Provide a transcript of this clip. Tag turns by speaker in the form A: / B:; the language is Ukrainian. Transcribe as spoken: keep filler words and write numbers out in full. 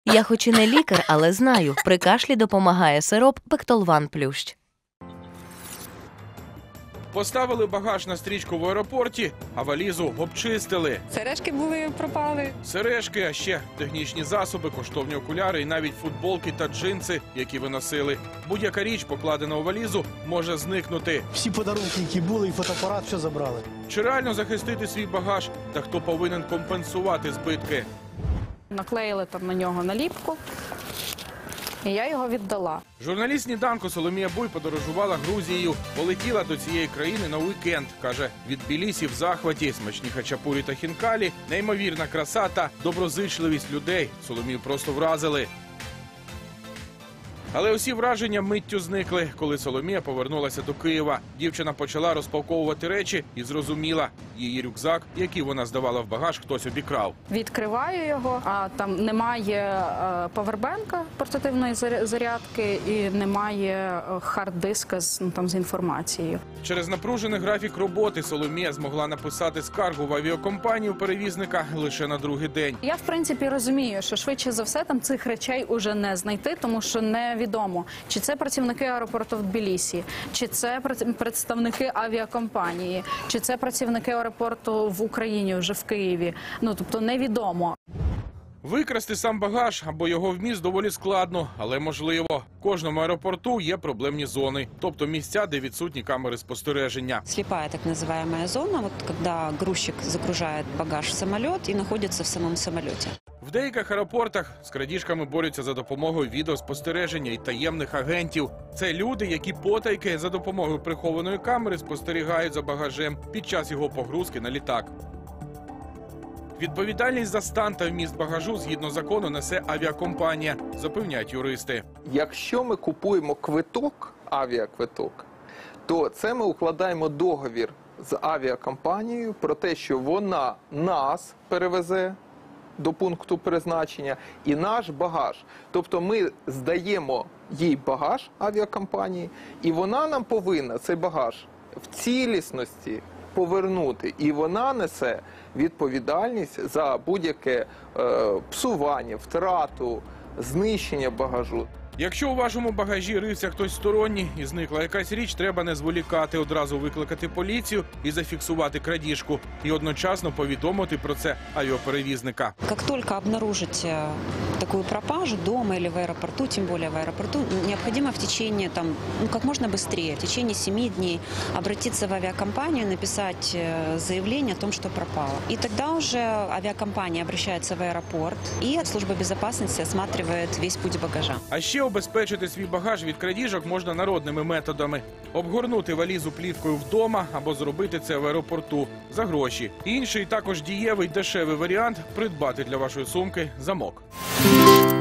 A: Я хоч і не лікар, але знаю, при кашлі допомагає сироп Пектолван Плющ.
B: Поставили багаж на стрічку в аеропорті, а валізу обчистили.
C: Сережки були, пропали.
B: Сережки, а ще технічні засоби, коштовні окуляри і навіть футболки та джинси, які ви носили. Будь-яка річ, покладена у валізу, може зникнути.
D: Всі подарунки, які були, і фотоапарат, все забрали.
B: Чи реально захистити свій багаж? Та хто повинен компенсувати збитки?
C: Наклеїли там на нього наліпку, і я його віддала.
B: Журналіст «Сніданку» Соломія Буй подорожувала Грузією. Полетіла до цієї країни на уікенд. Каже, від Тбілісі в захваті, смачні хачапурі та хінкалі, неймовірна краса та доброзичливість людей. Соломію просто вразили. Але усі враження миттю зникли, коли Соломія повернулася до Києва. Дівчина почала розпаковувати речі і зрозуміла, її рюкзак, який вона здавала в багаж, хтось обікрав.
C: Відкриваю його, а там немає е, павербенка, портативної зарядки, і немає хард-диска з, ну, там, з інформацією.
B: Через напружений графік роботи Соломія змогла написати скаргу в авіакомпанію перевізника лише на другий день.
C: Я, в принципі, розумію, що швидше за все там цих речей уже не знайти, тому що невідомо, чи це працівники аеропорту в Тбілісі, чи це представники авіакомпанії, чи це працівники аеропорту в Україні, вже в Києві. Ну, тобто невідомо.
B: Викрасти сам багаж або його вміст доволі складно, але можливо. В кожному аеропорту є проблемні зони, тобто місця, де відсутні камери спостереження.
E: Слепая так называемая зона, вот когда грузчик загружает багаж в самолет и находится в самом самолете.
B: В деяких аеропортах з крадіжками борються за допомогою відеоспостереження і таємних агентів. Це люди, які потайки за допомогою прихованої камери спостерігають за багажем під час його погрузки на літак. Відповідальність за стан та вміст багажу згідно закону несе авіакомпанія, запевняють юристи.
F: Якщо ми купуємо квиток, авіаквиток, то це ми укладаємо договір з авіакомпанією про те, що вона нас перевезе до пункту призначення і наш багаж. Тобто ми здаємо їй багаж авіакомпанії, і вона нам повинна цей багаж в цілісності повернути. І вона несе відповідальність за будь-яке е, псування, втрату, знищення багажу.
B: Якщо у вашому багажі рився хтось сторонній і зникла якась річ, треба не зволікати, одразу викликати поліцію і зафіксувати крадіжку. І одночасно повідомити про це авіаперевізника.
E: Как только обнаружите такую пропажу дома или в аэропорту, тем более в аэропорту, необходимо в течение, там, ну, как можно быстрее, в течение семи дней обратиться в авиакомпанию, написать заявление о том, что пропало. И тогда уже авиакомпания обращается в аэропорт, и служба безопасности осматривает весь путь багажа.
B: А ще обезпечити свій багаж від крадіжок можна народними методами. Обгорнути валізу плівкою вдома або зробити це в аеропорту за гроші. Інший, також дієвий, дешевий варіант – придбати для вашої сумки замок.